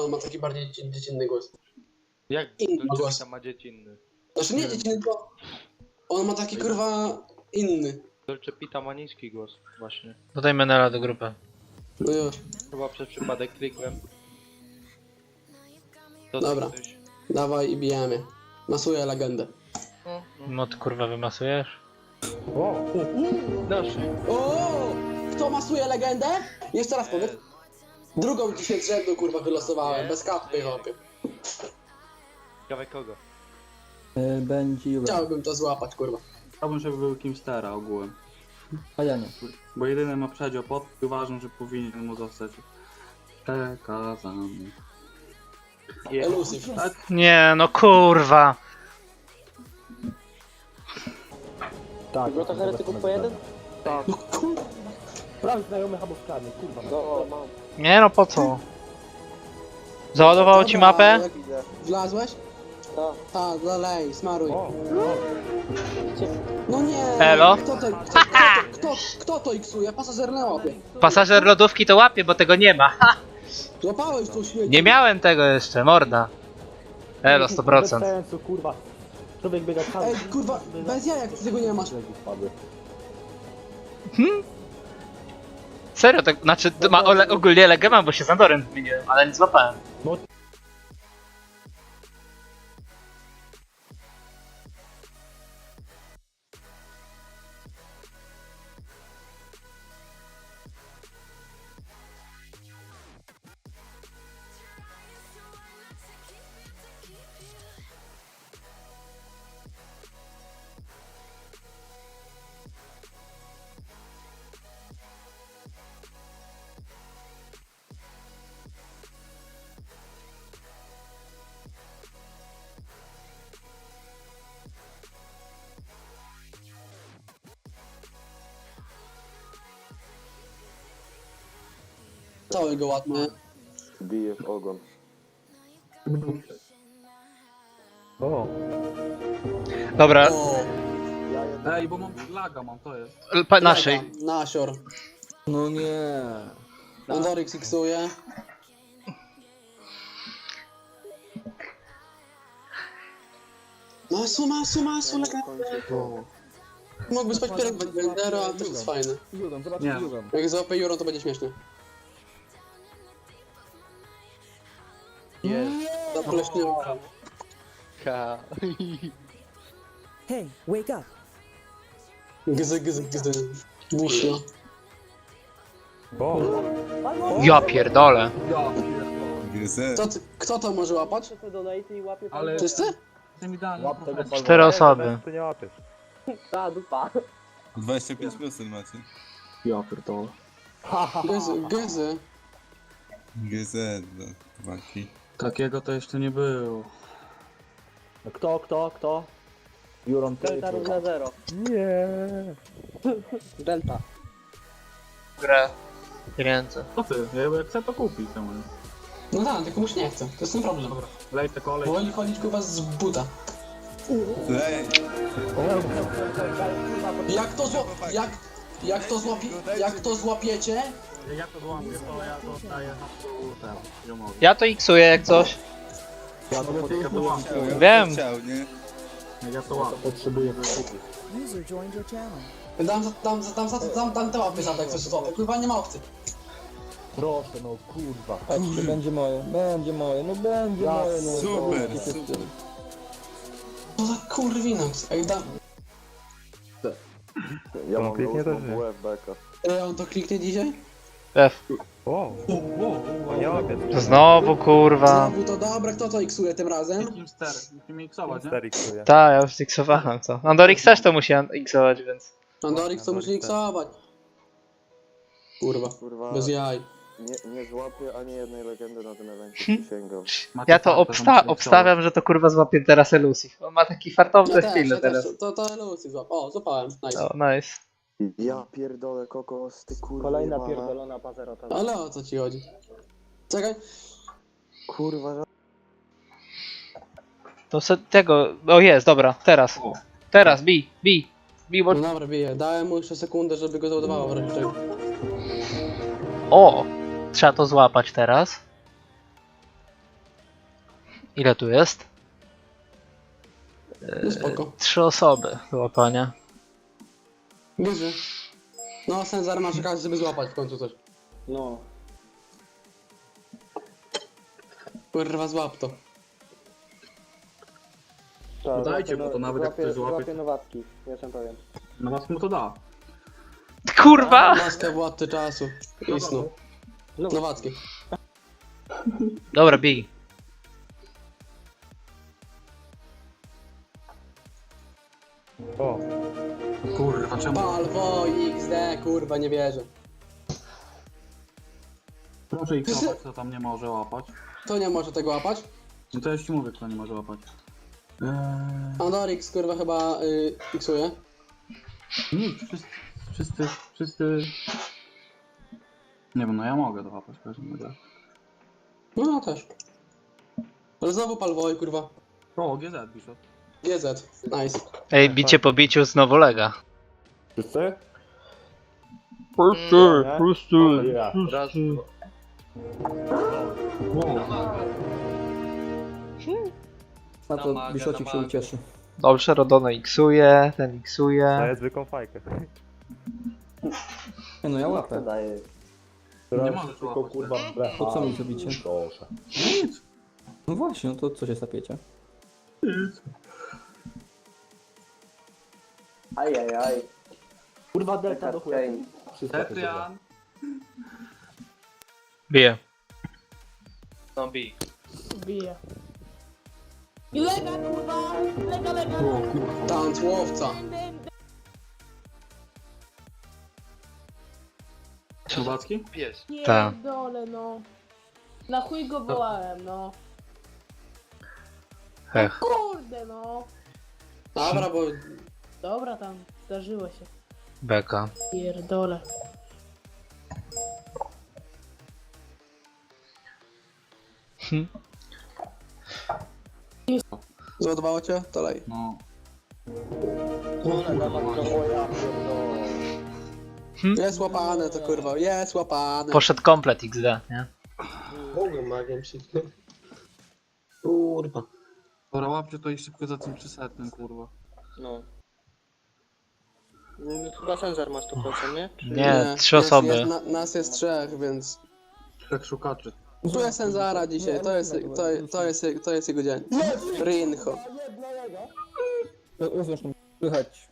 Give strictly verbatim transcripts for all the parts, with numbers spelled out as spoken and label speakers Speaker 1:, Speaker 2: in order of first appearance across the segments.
Speaker 1: on ma taki bardziej dzie- dziecinny głos.
Speaker 2: Jak
Speaker 1: Inny
Speaker 2: Dolce
Speaker 1: głos.
Speaker 2: Vita ma dziecinny?
Speaker 1: Znaczy nie dziecinny, tylko on ma taki kurwa inny.
Speaker 2: Dolce Vita ma niski głos, właśnie.
Speaker 3: Dodaj Menela do grupy.
Speaker 1: No już.
Speaker 2: Chyba przez przypadek klikłem. To
Speaker 1: Dobra.
Speaker 2: coś-
Speaker 1: Dawaj i bijemy. Masuję legendę.
Speaker 2: No, no.
Speaker 3: Mod kurwa wymasujesz?
Speaker 2: Nasz.
Speaker 1: O! Kto masuje legendę? Jeszcze raz powiedz. Drugą dzisiaj z rzędu kurwa wylosowałem, bez kapy hopy.
Speaker 2: Ciekawe kogo?
Speaker 4: E, Będzie Juve.
Speaker 1: Chciałbym to złapać kurwa.
Speaker 5: Chciałbym, żeby był kimś Stera ogółem.
Speaker 4: A ja nie.
Speaker 5: Bo jedyny ma przedział pod i uważam, że powinien mu zostać przekazany.
Speaker 1: Elusive.
Speaker 5: Tak?
Speaker 3: Nie, no kurwa.
Speaker 4: Tak.
Speaker 6: No to heretyków po jeden?
Speaker 1: No kurwa.
Speaker 4: Prawie znajomy albo w karny, kurwa.
Speaker 6: No, mam.
Speaker 3: Nie no, po co? Załadowało ci
Speaker 1: Dobra,
Speaker 3: mapę?
Speaker 1: jak Wlazłeś?
Speaker 6: Tak.
Speaker 1: Tak, dalej, smaruj.
Speaker 4: O,
Speaker 1: No nie!
Speaker 3: Elo?
Speaker 1: Kto to, kto, kto, kto, kto to iksuje? Pasażer na łapie.
Speaker 3: Pasażer lodówki to łapie, bo tego nie ma. Ha!
Speaker 1: Złapałeś to śmieci.
Speaker 3: Nie miałem tego jeszcze, morda. Elo, sto procent.
Speaker 4: Bez sensu, kurwa. Człowiek biega cały.
Speaker 1: Ej, kurwa, bez jajek ty tego nie masz.
Speaker 3: Serio, tak, znaczy ma ole, ogólnie legę mam, bo się z Andorem zmieniłem, ale nie złapałem.
Speaker 1: Cały go ładnie.
Speaker 6: Bije w ogon.
Speaker 4: O,
Speaker 3: Dobra,
Speaker 1: O,
Speaker 5: Ej, bo mam laga, mam, to jest.
Speaker 3: pa, naszej.
Speaker 1: Nasior.
Speaker 4: no nie.
Speaker 1: Andorix iksuje. Masu, masu, masu, legendę. Mógłby spać pierog bez Bendera, ale też jest fajne.
Speaker 4: Jurem, zobacz
Speaker 5: Nie.
Speaker 4: Jurem.
Speaker 1: Jak złapie Juro, to będzie śmieszne.
Speaker 2: Jest.
Speaker 1: Zapleśniał.
Speaker 2: Ha.
Speaker 7: Hey, wake up!
Speaker 1: Gzy, gzy, gzy. Busio.
Speaker 4: O,
Speaker 3: Ja pierdolę.
Speaker 1: Kto, ty- kto to może łapać?
Speaker 6: To donate i łapie pan.
Speaker 5: Ale
Speaker 1: Wszyscy?
Speaker 5: jestem idealny.
Speaker 4: łap tego balona.
Speaker 3: Cztery osoby.
Speaker 4: To nie łapiesz.
Speaker 6: Ta dupa.
Speaker 8: dwadzieścia pięć procent macie.
Speaker 4: Ja pierdolę.
Speaker 1: Gzy, gzy.
Speaker 8: G Z, no, waki.
Speaker 5: Takiego to jeszcze nie było.
Speaker 4: Kto, kto, kto? Juron, ty.
Speaker 6: Delta równa zero.
Speaker 4: Nie.
Speaker 6: Delta.
Speaker 3: Grę. Pieniądze.
Speaker 5: Co ty? Ja jak chcę to kupić. To mówię.
Speaker 1: No tak, tylko muś nie chce. To jest ten problem.
Speaker 5: Lej te kolej.
Speaker 1: Woli chodzić ku was z buta.
Speaker 8: Ej,
Speaker 1: Jak to zło... Jak... Jak to złapie... Jak to złapiecie?
Speaker 5: Ja to złamuję, to ja to oddaję. Teraz, ziomowi.
Speaker 3: Ja to iksuję jak coś.
Speaker 4: Ja to
Speaker 5: Ja to łapię.
Speaker 8: chciał, ja
Speaker 3: Wiem.
Speaker 8: Chciał, nie?
Speaker 5: Ja to łapię.
Speaker 4: potrzebuję kupić.
Speaker 7: User joined your channel.
Speaker 1: Dam za... Dam za... Dam za... Dam, dam te łapy za tak coś słowo. Kurwa nie ma opcji.
Speaker 4: Proszę, no kurwa. Patrzcie, będzie moje, będzie moje, no będzie
Speaker 5: Ja,
Speaker 4: moje, no.
Speaker 8: super,
Speaker 4: Zobaczcie się z
Speaker 8: super.
Speaker 4: tym.
Speaker 1: Co za kurwinox. Ej, dam...
Speaker 6: Ja mam kliknie też nie. W beka.
Speaker 1: Ej, on to kliknie dzisiaj?
Speaker 3: F.
Speaker 4: O,
Speaker 5: Nie łapię.
Speaker 3: Znowu kurwa.
Speaker 1: Znowu to dobra, kto to iksuje tym razem?
Speaker 5: Kim ster? Musimy iksować, nie?
Speaker 3: Tak, ja już iksowałem co. Andorix też to musi iksować, więc.
Speaker 1: Andorix to musi iksować. Kurwa,
Speaker 6: Kurwa.
Speaker 1: bez jaj.
Speaker 6: Nie, nie złapię ani jednej legendy na tym evencie, przysięgam.
Speaker 5: Macie
Speaker 3: Ja to
Speaker 5: farta, że
Speaker 3: obsta
Speaker 5: musicie
Speaker 3: obstawiam, że to kurwa złapie teraz Elusif. On ma taki fartowny
Speaker 1: Ja też,
Speaker 3: chwilę
Speaker 1: ja też.
Speaker 3: teraz.
Speaker 1: To, to Lucy złap. O, złapałem. Nice.
Speaker 3: O, nice.
Speaker 6: Ja pierdolę kokos, ty kurwa.
Speaker 4: kolejna
Speaker 6: jebana.
Speaker 4: pierdolona pazerota.
Speaker 1: Ale o co ci chodzi? Czekaj.
Speaker 6: Kurwa, że...
Speaker 3: To se tego. O jest, dobra, teraz. Teraz, bij, bij. Bij, bo.
Speaker 1: No dobra, biję. Dałem mu jeszcze sekundę, żeby go załadowało w razie czego.
Speaker 3: O! Trzeba to złapać teraz. Ile tu jest?
Speaker 1: No spoko.
Speaker 3: Trzy osoby do łapania.
Speaker 1: Gdzie? No, Senzar ma czekać, żeby złapać w końcu coś.
Speaker 6: No.
Speaker 1: Kurwa, złap to.
Speaker 6: Tak,
Speaker 5: Dajcie,
Speaker 6: złapię
Speaker 5: bo to
Speaker 6: no-
Speaker 5: nawet jak
Speaker 6: złapię-
Speaker 5: ktoś złapie-
Speaker 6: Złapię nowatki, jestem pewien.
Speaker 5: Na was mu to da.
Speaker 3: Kurwa!
Speaker 1: Maskę władcy czasu. I snu. Nowacki.
Speaker 3: Dobra, bij.
Speaker 4: O,
Speaker 5: Kurwa, czemu?
Speaker 1: Palwo, X D, kurwa, nie wierzę.
Speaker 5: Proszę ich łapać, kto tam nie może łapać.
Speaker 1: Kto nie może tego łapać?
Speaker 5: No to ja ci mówię, kto nie może łapać. Eee...
Speaker 1: Andorix, kurwa, chyba y, fiksuje.
Speaker 5: Nie, wszyscy, wszyscy, wszyscy... Nie wiem, no ja mogę dołapać w każdym razie.
Speaker 1: No, ja też. Ale znowu Palwoj, kurwa.
Speaker 5: O, G Z, Bishop.
Speaker 1: G Z, nice.
Speaker 3: Ej, bicie po biciu znowu lega.
Speaker 4: wszyscy?
Speaker 3: Pusty,
Speaker 4: Nie?
Speaker 3: pusty,
Speaker 4: Ja.
Speaker 2: Raz,
Speaker 4: Na to
Speaker 2: Namaga,
Speaker 4: Biszocik się
Speaker 2: namaga.
Speaker 4: ucieszy.
Speaker 3: Dobrze, Rodona iksuje, ten iksuje.
Speaker 7: Daję zwykłą fajkę.
Speaker 4: Nie no, ja łapę.
Speaker 6: Daję.
Speaker 5: Nie możesz
Speaker 7: Tylko
Speaker 5: łapać.
Speaker 7: kurwa blecha.
Speaker 4: Po co mi zrobicie?
Speaker 7: Proszę.
Speaker 5: Nic.
Speaker 4: No właśnie, no to co się sapiecie?
Speaker 6: Ajajaj.
Speaker 7: Kurwa delta do chuja.
Speaker 6: Kane.
Speaker 7: Wszystko to dobrze.
Speaker 5: Tetrian.
Speaker 3: Bije.
Speaker 2: no bij.
Speaker 9: Bije. I lega, kurwa! Lega, lega!
Speaker 5: O kurwa.
Speaker 1: Tanc łowca.
Speaker 5: Słowacki?
Speaker 2: Pies.
Speaker 3: Ta.
Speaker 9: Pierdolę, no. Na chuj go wołałem, no.
Speaker 3: Hech.
Speaker 9: Kurde, no.
Speaker 1: Dobra, bo
Speaker 9: Dobra, tam, zdarzyło się.
Speaker 3: Beka.
Speaker 9: Pierdolę.
Speaker 1: zładowało cię? To lej.
Speaker 5: No.
Speaker 1: Jest łapane to, kurwa, jest łapane.
Speaker 3: Poszedł komplet X D, nie?
Speaker 1: Mogłem magiem przyknąć. Kurwa.
Speaker 5: Dobra, łapcie to i szybko za tym trzysetnym, kurwa.
Speaker 6: No. No, chyba Senzar ma sto procent, nie? Czy...
Speaker 3: Nie, trzy
Speaker 1: jest-
Speaker 3: osoby.
Speaker 1: Jest, na, nas jest trzech, więc...
Speaker 5: Tak szukaczy.
Speaker 1: Tu jest Senzara dzisiaj, to jest, to, to, jest, to jest jego dzień. Rinho.
Speaker 4: No, zresztą słychać.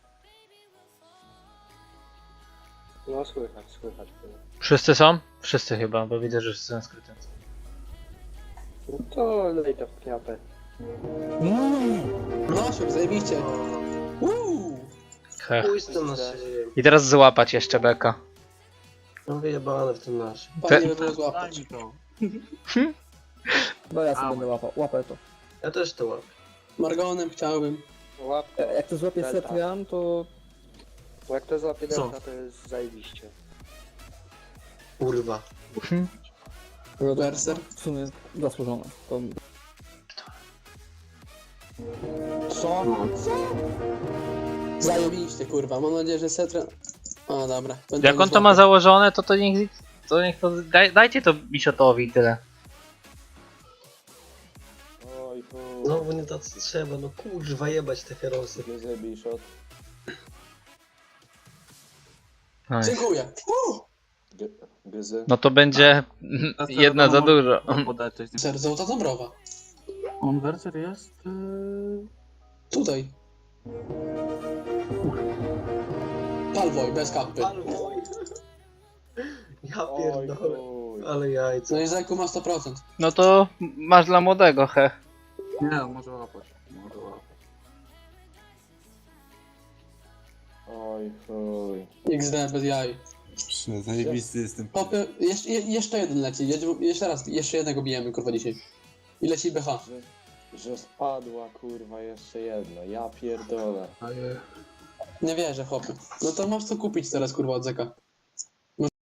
Speaker 6: No słychać, słychać.
Speaker 3: Wszyscy są? Wszyscy chyba, bo widzę, że wszyscy są skryty.
Speaker 6: No to lej to w kniapę.
Speaker 1: No, się zajebiście. Uuu.
Speaker 3: Hech.
Speaker 10: Pójdź to na szyję.
Speaker 3: I teraz złapać jeszcze beka.
Speaker 10: No wyjebane w tym naszym.
Speaker 1: Fajnie by było złapać.
Speaker 5: Daj mi to.
Speaker 4: No ja sobie
Speaker 5: A,
Speaker 4: będę łapał, łapę to.
Speaker 10: Ja też to łapię.
Speaker 1: Margonem chciałbym.
Speaker 6: Łap,
Speaker 4: E, Jak to złapie
Speaker 6: Delta.
Speaker 4: Setrian, to...
Speaker 6: bo jak to złapie
Speaker 5: Co?
Speaker 6: delta, to jest zajebiście.
Speaker 10: Kurwa.
Speaker 1: Berser.
Speaker 4: W sumie zasłużone. To...
Speaker 1: Co? Zajebiście, kurwa. Mam nadzieję, że Setra... O, dobra. Będę
Speaker 3: Jak on to
Speaker 1: złapał.
Speaker 3: ma założone, to to niech... To niech to... Daj, dajcie to Bishotowi i tyle.
Speaker 6: Oj, chuj.
Speaker 10: Znowu nie to co trzeba, no kurwa jebać te herosy.
Speaker 6: Nie zrobisz shot.
Speaker 3: Nice.
Speaker 1: Dziękuję. Uh!
Speaker 6: Gyzy.
Speaker 3: No to będzie jedna za dużo.
Speaker 5: Podać coś.
Speaker 1: Serce ta Dąbrowa.
Speaker 5: On werser jest... Yy...
Speaker 1: Tutaj. Palwoj, bez kapy.
Speaker 10: Ja
Speaker 6: Oj,
Speaker 10: pierdolę.
Speaker 6: chuj.
Speaker 10: Ale jajca.
Speaker 1: No i Zeku ma sto procent.
Speaker 3: No to masz dla młodego, he.
Speaker 5: Nie, może łapać. Może łapać.
Speaker 6: Oj, chuj.
Speaker 1: X D bez jaj.
Speaker 8: Prze- Zajebisty jestem.
Speaker 1: Popy, jeszcze, je, jeszcze jeden leci. Jedzie- Jeszcze raz, jeszcze jednego bijemy, kurwa, dzisiaj. I leci B H.
Speaker 6: Że, że spadła, kurwa, jeszcze jedno. Ja pierdolę.
Speaker 10: Ale...
Speaker 1: Nie wierzę, chłopie. No to masz co kupić teraz, kurwa, od Zeka.